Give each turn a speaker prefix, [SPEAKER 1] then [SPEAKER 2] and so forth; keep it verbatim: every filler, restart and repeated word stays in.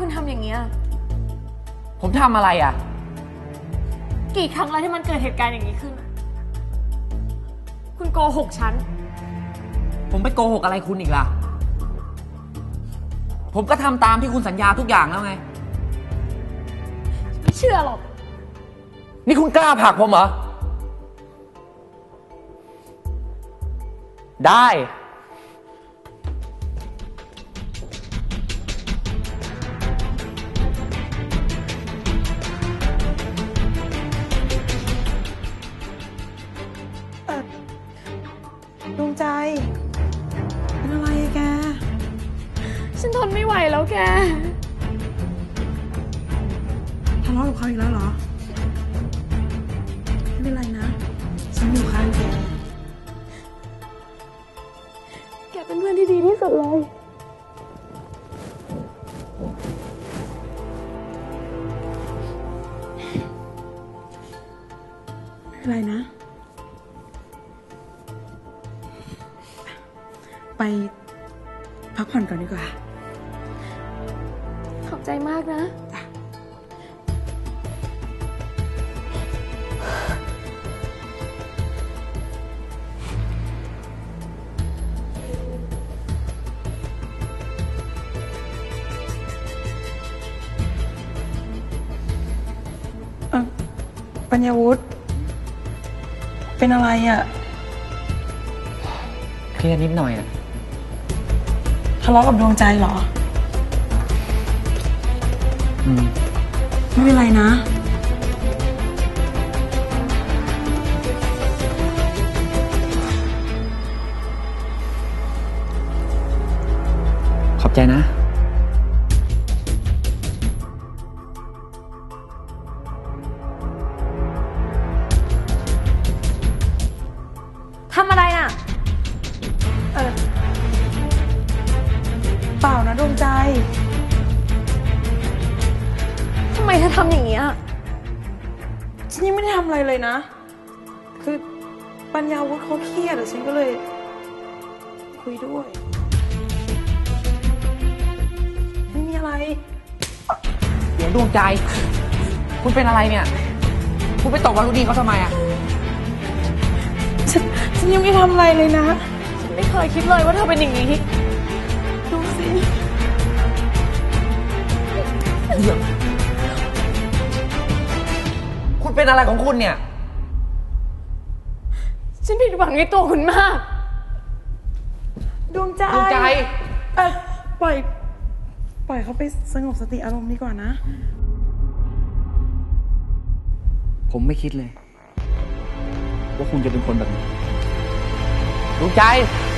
[SPEAKER 1] คุณทำอย่างเงี้ย
[SPEAKER 2] ผมทำอะไรอ่ะ
[SPEAKER 1] กี่ครั้งแล้วที่มันเกิดเหตุการณ์อย่างนี้ขึ้นคุณโกหกฉัน
[SPEAKER 2] ผมไปโกหกอะไรคุณอีกล่ะผมก็ทำตามที่คุณสัญญาทุกอย่างแล้วไง
[SPEAKER 1] ไม่เชื่อหรอก
[SPEAKER 2] นี่คุณกล้าผลักผมเหรอได้
[SPEAKER 3] ดวงใจเป็นอะไรแก
[SPEAKER 1] ฉันทนไม่ไหวแล้วแก
[SPEAKER 3] ทะเลาะกับเขาอีกแล้วเหรอไม่เป็นไรนะฉันอยู่ข้างแก
[SPEAKER 1] แกเป็นเพื่อนที่ดีที่สุดเลย
[SPEAKER 3] ไม่เป็นไรนะไปพักผ่อนก่อนดีกว่า
[SPEAKER 1] ขอบใจมากนะ
[SPEAKER 3] เออปัญญาวุฒิเป็นอะไรอ่ะ
[SPEAKER 2] เครียดนิดหน่อยอ่ะ
[SPEAKER 3] ทะเลาะกับดวงใจเหรอ
[SPEAKER 2] อืม
[SPEAKER 3] ไม่เป็นไรนะ
[SPEAKER 2] ขอบใจนะ
[SPEAKER 1] ทำอะไรน่ะ
[SPEAKER 3] เออเปล่านะดวงใจ
[SPEAKER 1] ทำไมเธอทำอย่างเงี้ย
[SPEAKER 3] ฉันยังไม่ได้ทำอะไรเลยนะคือปัญญาวุฒิเขาเครียดอะฉันก็เลยคุยด้วยไม่มีอะไร
[SPEAKER 2] เดี๋ยวดวงใจคุณเป็นอะไรเนี่ยคุณไปตบวารุณีเขาทำไมอ่ะ
[SPEAKER 3] ฉันฉันยังไม่ทำอะไรเลยนะ
[SPEAKER 1] ฉันไม่เคยคิดเลยว่าเธอเป็นอย่างนี้
[SPEAKER 3] ดูสิ
[SPEAKER 2] เดี๋ยวคุณเป็นอะไรของคุณเนี่ย
[SPEAKER 1] ฉันผิดหวังในตัวคุณมาก
[SPEAKER 3] ดวงใจ
[SPEAKER 2] ดวงใจ
[SPEAKER 3] เออปล่อยปล่อยเขาไปสงบสติอารมณ์ดีกว่านะ
[SPEAKER 2] ผมไม่คิดเลยว่าคุณจะเป็นคนแบบนี้ดวงใจ